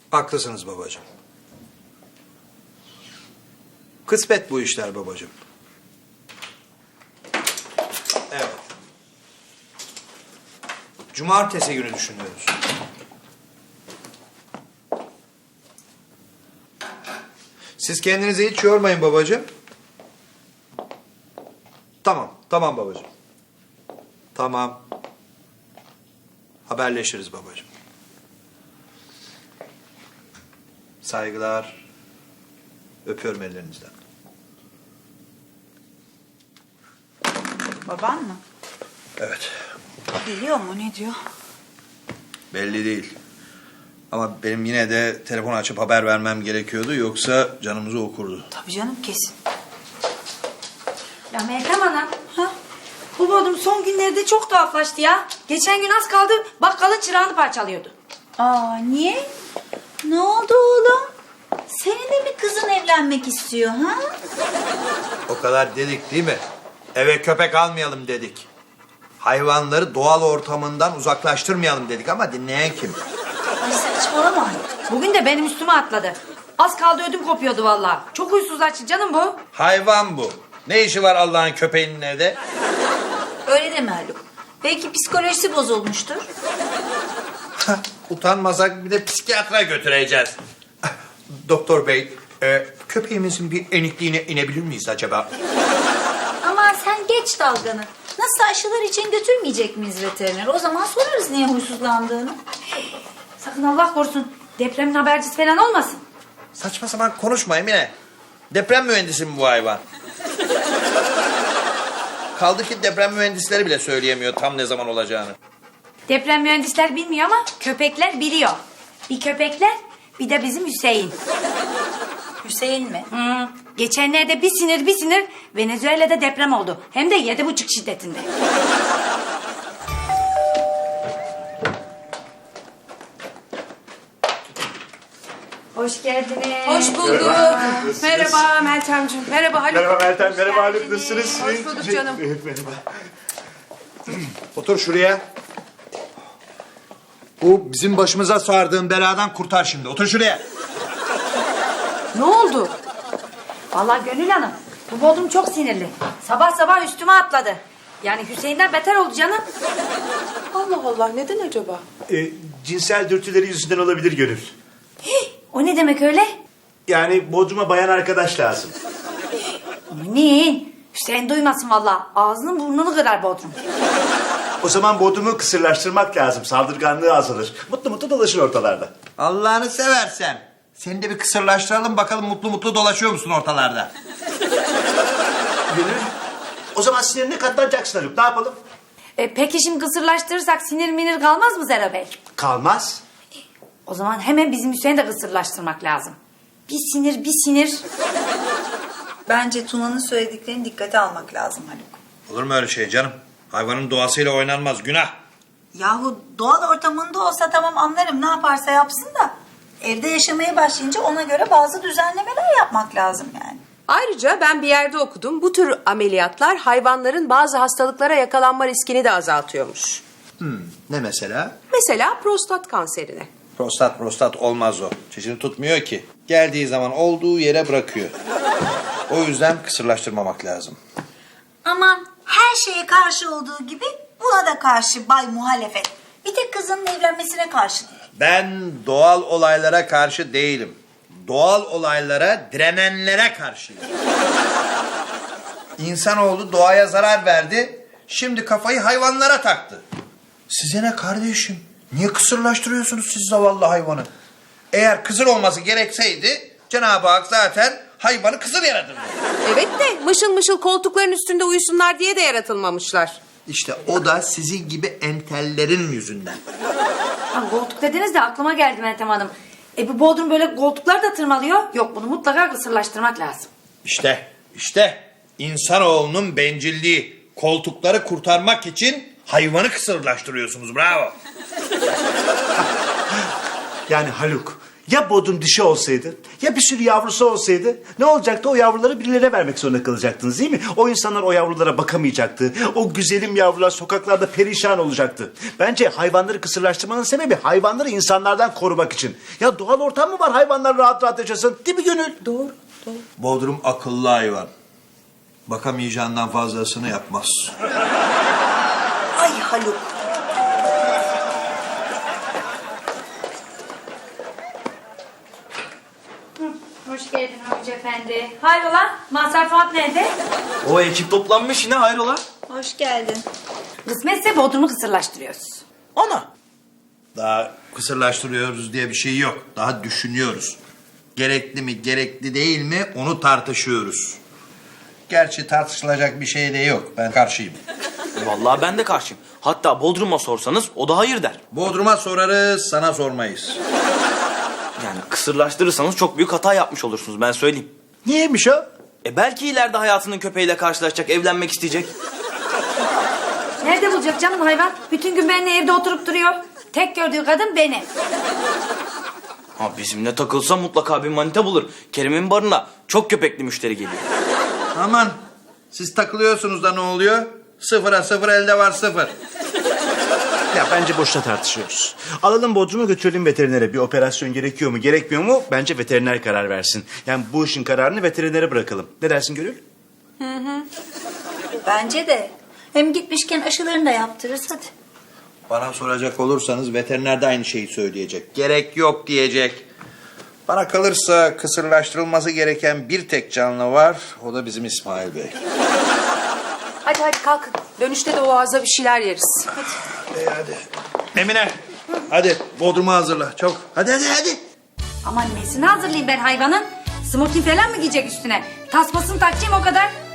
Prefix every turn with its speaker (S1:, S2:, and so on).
S1: Haklısınız babacığım. Kısmet bu işler babacığım. Evet. Cumartesi günü düşünüyoruz. Siz kendinizi hiç yormayın babacığım. Tamam babacığım. Tamam. Haberleşiriz babacığım. Saygılar. Öpüyorum ellerinizden.
S2: Baban mı?
S1: Evet.
S2: Biliyor mu, ne diyor?
S1: Belli değil. Ama benim yine de telefon açıp haber vermem gerekiyordu. Yoksa canımızı okurdu.
S2: Tabii canım, kesin.
S3: Ya Meltem Hanım. Ha? Bu Bodrum son günlerde çok tuhaflaştı ya. Geçen gün az kaldı bakkalın çırağını parçalıyordu.
S2: Aa, niye? Ne oldu oğlum? Senin de mi kızın evlenmek istiyor ha?
S1: O kadar dedik değil mi? Eve köpek almayalım dedik. Hayvanları doğal ortamından uzaklaştırmayalım dedik ama dinleyen kim?
S2: Ay saçmalama.
S3: Bugün de benim üstüme atladı. Az kaldı ödüm kopuyordu vallahi. Çok huysuzlaştı canım bu.
S1: Hayvan bu. Ne işi var Allah'ın köpeğinin evde?
S2: Öyle deme Haluk. Belki psikolojisi bozulmuştur.
S1: Utanmasak bir de psikiyatra götüreceğiz. Doktor bey, köpeğimizin bir enikliğine inebilir miyiz acaba?
S2: Ama sen geç dalganı. Nasıl aşılar için götürmeyecek miyiz veteriner? O zaman sorarız niye huysuzlandığını.
S3: Sakın Allah korusun depremin habercisi falan olmasın.
S1: Saçma sapan konuşma Emine. Deprem mühendisi mi bu hayvan? Kaldı ki deprem mühendisleri bile söyleyemiyor tam ne zaman olacağını.
S3: Deprem mühendisler bilmiyor ama köpekler biliyor. Bir köpekler bir de bizim Hüseyin.
S2: Hüseyin mi?
S3: Geçenlerde bir sinir Venezuela'da deprem oldu. Hem de 7,5 şiddetinde. Hoş geldiniz.
S4: Hoş bulduk. Merhaba Meltemciğim. Merhaba Haluk.
S5: Merhaba Meltem,
S3: Hoş
S5: merhaba Haluk,
S3: geldiniz.
S5: nasılsınız?
S4: Hoş bulduk canım.
S5: Merhaba.
S1: Otur şuraya. Bu bizim başımıza sardığın beladan kurtar şimdi. Otur şuraya.
S4: Ne oldu?
S3: Vallahi Gönül Hanım bu Bodrum çok sinirli. Sabah sabah üstüme atladı. Yani Hüseyin'den beter oldu canım.
S4: Allah Allah, neden acaba?
S5: Cinsel dürtüleri yüzünden olabilir Gönül.
S3: O ne demek öyle?
S5: Yani Bodrum'a bayan arkadaş lazım.
S3: Aman Hüseyin duymasın vallahi. Ağzını burnunu kırar Bodrum.
S5: O zaman Bodrum'u kısırlaştırmak lazım, saldırganlığı azalır. Mutlu mutlu dolaşır ortalarda.
S1: Allah'ını seversen. Seni de bir kısırlaştıralım bakalım mutlu mutlu dolaşıyor musun ortalarda?
S5: Gönül, o zaman sinirine katlanacaksın Haluk, ne yapalım?
S3: Peki şimdi kısırlaştırırsak sinir minir kalmaz mı Zero Bey?
S5: Kalmaz.
S3: O zaman hemen bizim Hüseyin'i de kısırlaştırmak lazım. Bir sinir.
S2: Bence Tuna'nın söylediklerini dikkate almak lazım Haluk.
S1: Olur mu öyle şey canım? Hayvanın doğasıyla oynanmaz günah.
S2: Yahu doğal ortamında olsa tamam anlarım, ne yaparsa yapsın da evde yaşamaya başlayınca ona göre bazı düzenlemeler yapmak lazım yani.
S4: Ayrıca ben bir yerde okudum. Bu tür ameliyatlar hayvanların bazı hastalıklara yakalanma riskini de azaltıyormuş.
S1: Ne mesela?
S4: Mesela prostat kanserine.
S1: Prostat olmaz o. Çişini tutmuyor ki. Geldiği zaman olduğu yere bırakıyor. O yüzden kısırlaştırmamak lazım.
S2: Aman her şeye karşı olduğu gibi buna da karşı Bay Muhalefet. Bir tek kızının evlenmesine karşı değil.
S1: Ben doğal olaylara karşı değilim. Doğal olaylara direnenlere karşıyım. İnsanoğlu doğaya zarar verdi. Şimdi kafayı hayvanlara taktı. Size ne kardeşim? Niye kısırlaştırıyorsunuz siz zavallı hayvanı? Eğer kısır olması gerekseydi Cenab-ı Hak zaten hayvanı kısır yaratırdı.
S4: Evet de mışıl mışıl koltukların üstünde uyusunlar diye de yaratılmamışlar.
S1: İşte o da sizin gibi entellerin yüzünden.
S3: Ha, koltuk dediniz de aklıma geldi Meltem Hanım. Bu Bodrum böyle koltuklar da tırmalıyor. Yok bunu mutlaka kısırlaştırmak lazım.
S1: İşte insanoğlunun bencilliği. Koltukları kurtarmak için hayvanı kısırlaştırıyorsunuz. Bravo.
S5: Yani Haluk, Ya Bodrum dişi olsaydı, ya bir sürü yavrusu olsaydı ne olacaktı? O yavruları birilerine vermek zorunda kalacaktınız değil mi? O insanlar o yavrulara bakamayacaktı. O güzelim yavrular sokaklarda perişan olacaktı. Bence hayvanları kısırlaştırmanın sebebi hayvanları insanlardan korumak için. Ya doğal ortam mı var hayvanlar rahat rahat yaşasın? Değil mi Gönül?
S4: Doğru, doğru.
S1: Bodrum akıllı hayvan. Bakamayacağından fazlasını yapmaz.
S2: Ay Haluk.
S3: Hoş geldin Havuç Efendi. Hayrola? Mazhar Fuat nerede?
S6: O ekip toplanmış yine hayrola?
S2: Hoş geldin.
S3: Kısmetse Bodrum'u kısırlaştırıyoruz.
S6: Ana.
S1: Daha kısırlaştırıyoruz diye bir şey yok. Daha düşünüyoruz. Gerekli mi, gerekli değil mi onu tartışıyoruz. Gerçi tartışılacak bir şey de yok. Ben karşıyım.
S6: Vallahi ben de karşıyım. Hatta Bodrum'a sorsanız o da hayır der.
S1: Bodrum'a sorarız, sana sormayız.
S6: Yani kısırlaştırırsanız çok büyük hata yapmış olursunuz ben söyleyeyim.
S5: Niyeymiş o?
S6: Belki ileride hayatının köpeğiyle karşılaşacak, evlenmek isteyecek.
S3: Nerede bulacak canım hayvan? Bütün gün benimle evde oturup duruyor. Tek gördüğü kadın benim.
S6: Ha bizimle takılsa mutlaka bir manita bulur. Kerim'in barına çok köpekli müşteri geliyor.
S1: Aman, siz takılıyorsunuz da ne oluyor? Sıfıra sıfır elde var sıfır.
S5: Ya bence boşuna tartışıyoruz. Alalım Bodrum'u götürelim veterinere. Bir operasyon gerekiyor mu gerekmiyor mu? Bence veteriner karar versin. Yani bu işin kararını veterinere bırakalım. Ne dersin Gönül?
S2: Bence de. Hem gitmişken aşılarını da yaptırırız hadi.
S1: Bana soracak olursanız veteriner de aynı şeyi söyleyecek. Gerek yok diyecek. Bana kalırsa kısırlaştırılması gereken bir tek canlı var. O da bizim İsmail Bey.
S4: Hadi hadi kalkın. Dönüşte de Oğaz'da bir şeyler yeriz.
S1: Hadi. Emine, hadi Bodrum'u hazırla. Çok. Hadi.
S3: Aman nesini hazırlayayım ben hayvanın? Smokin falan mı giyecek üstüne? Tasmasını takacağım o kadar.